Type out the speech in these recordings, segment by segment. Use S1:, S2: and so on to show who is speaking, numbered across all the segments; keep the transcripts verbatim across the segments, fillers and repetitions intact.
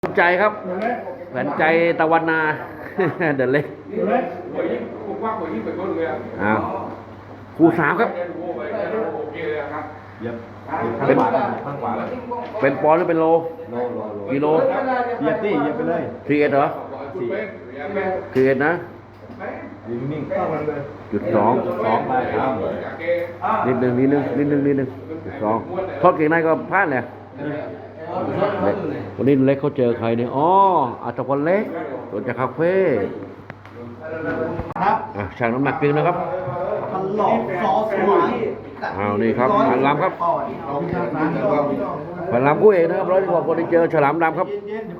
S1: ใจครับแผนใจตะวันนา เดินเล็กอ้าวคู่สามครับเป็นเป็นปอนด์หรือเป็นโลกิโล
S2: เหยียบดิเหยียบไปเลย
S1: ทีเอ็ดเหรอทีเอ็ดนะ
S2: นิ่ง
S1: จุดสอง
S2: สองไปครับ
S1: นิดหนึ่งนิดหนึ่งนิดหนึ่งนิดหนึ่งจุดสองทอดเก่งในก็พลาดเลยวันนี้เล็กเขาเจอใครเนี่ยอ๋ออัตพลเล็กตัวจากคาเฟ่
S2: ครับ
S1: อ่ะช่างน้ำหนักจริงนะครับ
S2: พันหลอกซอสหวาน
S1: อ้าวนี่ครับพันลำครับพันลำกู้เอกนะครับร้อยกว่าคนที่เจอฉลามดำครับ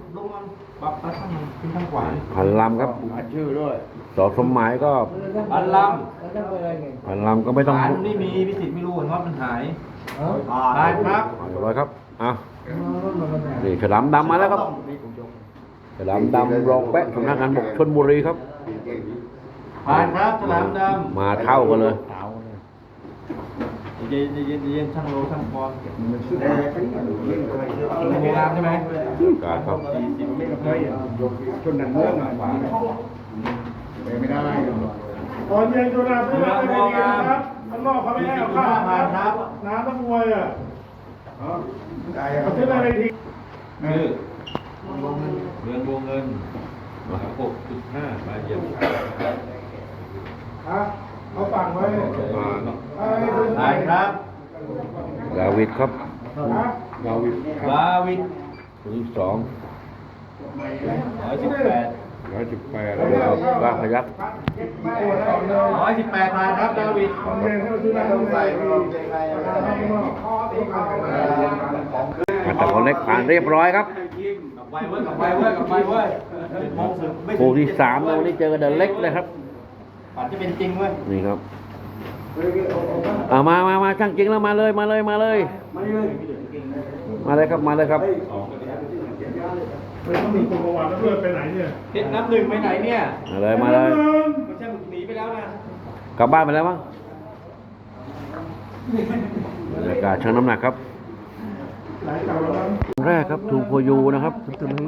S1: พันลำครับ
S2: ชื่อด้วย
S1: สอสมหมายก็
S2: พันล
S1: ำพันลำก็ไม่ต้อง
S2: นี่มีพิสิทธิ์ไม่รู้ว่ามันหายได้ครับ
S1: เรียบร้อยครับอ้าวนี่ฉลามดำมาแล้วครับฉลามดำรองแปะสำนักงานบกชลบุรีครับ
S2: ผ่านครับฉลามด
S1: ำมาเท่ากันเลย
S2: เย็นเย็นเย็นช่างโลช่างปอนโบราณใช่ไหม
S1: การครับ
S2: ชนนันเมืองขวาไม่ได้
S3: ตอนเย็นชนนันเมืองไม่ได้นะครับข้างนอกเขาไม่ให้เอาข้าวครับน้ำต้องมวยอ่ะเขาซื้ออะไรที
S2: คือเมืองวงเงินหกจุดห้ามาเยี่ยม
S3: ครับเขาฟังไว้
S2: ได้ครับ
S1: ดาวิดครับ
S2: ดาวิดดาวิด
S1: คนที่สอง
S2: ร้อยสิบแปด
S1: ร้อยสิบแปดแล้วก็พยัก
S2: ร้อยสิบแปดมาครับดาวิด
S1: แต่คนเล็กผ่านเรียบร้อยครับคู่ที่สามเราวันนี้เจอกันเดินเล็กเลยครับ
S2: ปัดจะเป็นจริงเว้ย
S1: นี่ครับอ่ามามามาช่างจริงแล้วมาเลยมาเลยมาเลยมาเลยครับมาเลยครับ
S3: ต้องมีคนประวัติแล้วเพื่อนไปไหนเนี่ย
S2: เพชรน้ำหนึ่งไปไหนเนี่ย
S1: มาเลยมาเลย
S2: มันช่างหนีไปแล้วนะ
S1: กลับบ้านไปแล้วมั้งบรรยากาศชั่งน้ำหนักครับแรกครับทูโพยูนะครับถึง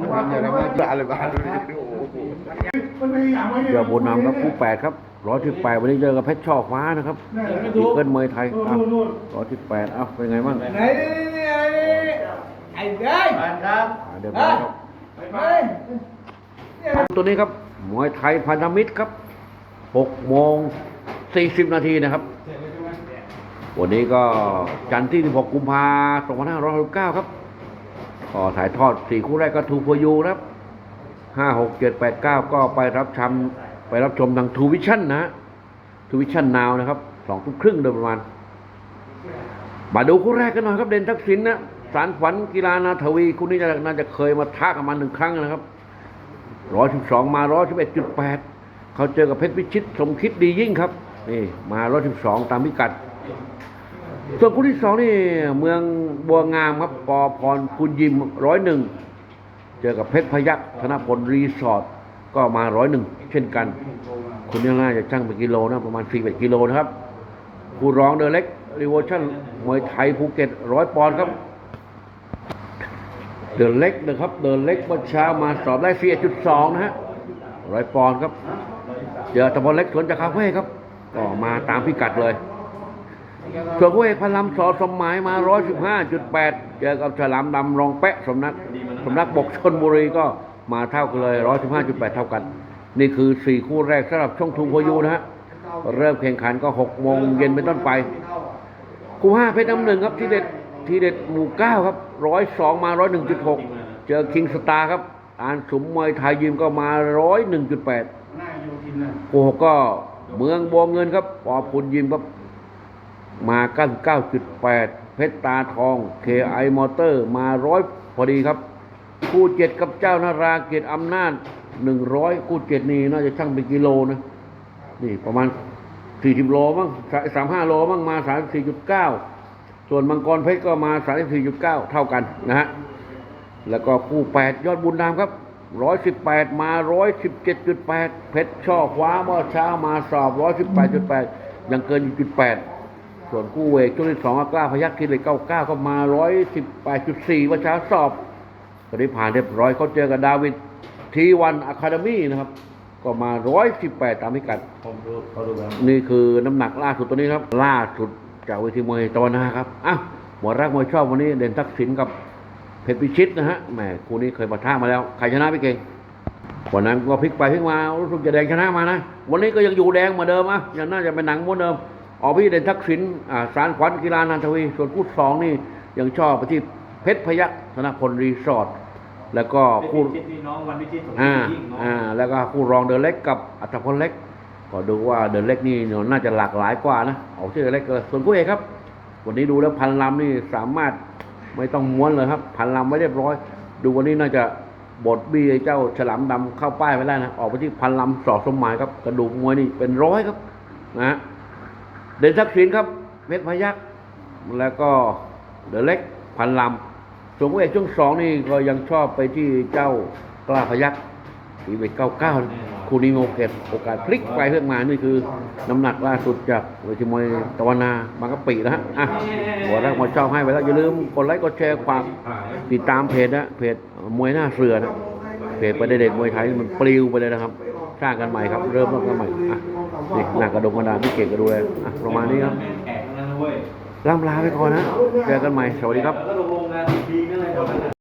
S1: เจอบุญนำครับคู่แปดครับร้อยที่แปดวันนี้เจอกับเพชรช่อฟ้านะครับอีเกิลเมย์ไทยร้อยที่แปดเอ้าเป็นไงบ้าง
S2: ไหนนี่ไอ้เด้ยครับ
S1: เดี๋ยวครับตัวนี้ครับมวยไทยพันธมิตรครับหกโมงสี่สิบนาทีนะครับวันนี้ก็จันทร์ที่สิบหกกุมภาพันธ์สองพันห้าร้อยหกสิบเก้าครับก็ถ่ายทอดสี่คู่แรกก็ทูโพยูครับห้า หก เจ็ด แปด เก้าก็ไปรับชมไปรับชมทางทูวิชั่นนะทูวิชั่นนาวนะครับสองทุ่มครึ่งโดยประมาณมาดูคู่แรกกันหน่อยครับเด่นทักษิณนะสารฝันกีฬานาทวีคู่นี้น่าจะเคยมาท้ากันมาหนึ่งครั้งนะครับร้อยสิบสองมาร้อยสิบเอ็ดจุดแปดเขาเจอกับเพชรวิชิตสมคิดดียิ่งครับนี่มาร้อยสิบสองตามพิกัดส่วนคู่ที่สองนี่เมืองบัวงามครับปอพรคุณยิมร้อยหนึ่งเจอกับเพชรพยัคฆ์ธนพลรีสอร์ทก็มาร้อยหนึ่งเช่นกันคุณยังน่าจะชั่งเป็นกิโลนะประมาณสี่สิบกิโลนะครับคู่รองเดอเล็กรีโวชั่นมวยไทยภูเก็ตร้อยปอนด์ครับเดอเล็กนะครับเดอเล็กเมื่อเช้ามาสอบได้สี่จุดสองนะฮะร้อยปอนด์ครับเจอตะพลเล็กสวนจากคาเฟ่ครับก็มาตามพิกัดเลยส่วนคู่เอกพลัมสอสมหมายมา ร้อยสิบห้าจุดแปด เจอกับฉลามดำรองแปะสำนักสำนักบกชลบุรีก็มาเท่ากันเลย ร้อยสิบห้าจุดแปด เท่ากันนี่คือสี่คู่แรกสำหรับช่องทูโพยูนะฮะเริ่มแข่งขันก็หกโมงเย็นเป็นต้นไปคู่ห้าเพชรน้ำหนึ่งครับที่เด็ดที่เด็ดหมู่เก้าครับหนึ่งร้อยสองมา หนึ่งร้อยหนึ่งจุดหก เจอคิงสตาร์ครับอ่านสมมวยไทยยิมก็มา หนึ่งร้อยหนึ่งจุดแปด คู่หกก็เมืองบัวเงินครับปอพุนยิมครับมาเก้าสิบเก้าจุดแปด เพชรตาทอง เค ไอ มอเตอร์มาร้อยพอดีครับคู่เจ็ดกับเจ้านาราเกียรติอำนาจหนึ่งร้อยคู่เจ็ดนี่น่าจะชั่งเป็นกิโลนะนี่ประมาณสี่สิบโลมั้งสามสิบห้าโลมั้งมา สามสิบสี่จุดเก้า ส่วนมังกรเพชรก็มา สามสิบสี่จุดเก้า เท่ากันนะฮะแล้วก็คู่แปดยอดบุญนามครับหนึ่งร้อยสิบแปดมา หนึ่งร้อยสิบเจ็ดจุดแปด เพชรช่อคว้าเมื่อเช้ามาสอบ หนึ่งร้อยสิบแปดจุดแปด ยังเกินอยู่จุดแปดส่วนคู่เอกช่วงที่สองกล้าพยัคฆ์คิดเลยเก้าสิบเก้าก็มา หนึ่งร้อยสิบแปดจุดสี่ เมื่อเช้าสอบคนนี้ผ่านเรียบร้อยเขาเจอกับดาวิดทีวันอะคาเดมี่นะครับก็มาร้อยสิบแปดตามพิกัด
S2: ผมดูเขาดูแล้ว
S1: นี่คือน้ำหนักล่าสุดตัวนี้ครับ ล่าสุดจากเวทีมวยตะวันนาครับอ่ะหมวดรักมวยชอบวันนี้เด่นทักษิณกับเพชรพิชิตนะฮะแหมคู่นี้เคยปะทะมาแล้วใครชนะพี่เก่งวันนั้นก็พลิกไปพลิกมารู้สึกจะแดงชนะมานะวันนี้ก็ยังอยู่แดงเหมือนเดิมอ่ะยังน่าจะเป็นหนังเหมือนเดิมออกพี่เด่นทักษิณอ่าสารขวัญกีฬานันทวีส่วนคู่สองนี่ยังชอบไปที่เพชรพยัคฆ์ธนพลรีสอร์ทแล้วก็คู่
S2: ชิดพี่น้องวันวิชิตสม
S1: อ่า
S2: ยิ่งเนาะ
S1: อ่าแล้วก็คู่รองเดินเล็กกับอัตพลเล็กก็ดูว่าเดินเล็กนี่น่าจะหลากหลายกว่านะเอาชื่อเล็กเลยส่วนคู่เอกครับ วันนี้ดูแล้วพันลำนี่สามารถไม่ต้องม้วนเลยครับพันลำไว้เรียบร้อย ดูวันนี้น่าจะบดบี้ไอ้เจ้าฉลามดำเข้าป้ายไปได้นะออกไปที่พันลำสอดสมหมายครับกระดูกมวยนี่เป็นร้อยครับนะฮะเด่นทักษิณครับเพชรพยัคฆ์แล้วก็เดินเล็กพันลำส่วนคู่เอกช่วงสองนี่ก็ยังชอบไปที่เจ้ากล้าพยัคฆ์ทีเวทเก้าเก้าคู่นี้มีโอกาสโอกาสพลิกไปเพื่อมานี่คือน้ำหนักล่าสุดจากเวทีมวยตะวันนาบางกะปินะฮะอ่ะหัวแรกมาชอบให้ไปแล้วอย่าลืมกดไลค์กดแชร์ความติดตามเพจนะเพจมวยหน้าเสือนะเพจประเด็นมวยไทยมันปลิวไปเลยนะครับสร้างกันใหม่ครับเริ่มต้นกันใหม่อ่ะนี่หน้ากระดงกระดานพี่เก่งก็ดูเลยอ่ะประมาณนี้ครับ
S2: แขกนั่นนะเว้ย
S1: ล่ำลาไปก่อนนะเจอกันใหม่สวัสดีครับ
S2: แล้วก็ลงโรงงานที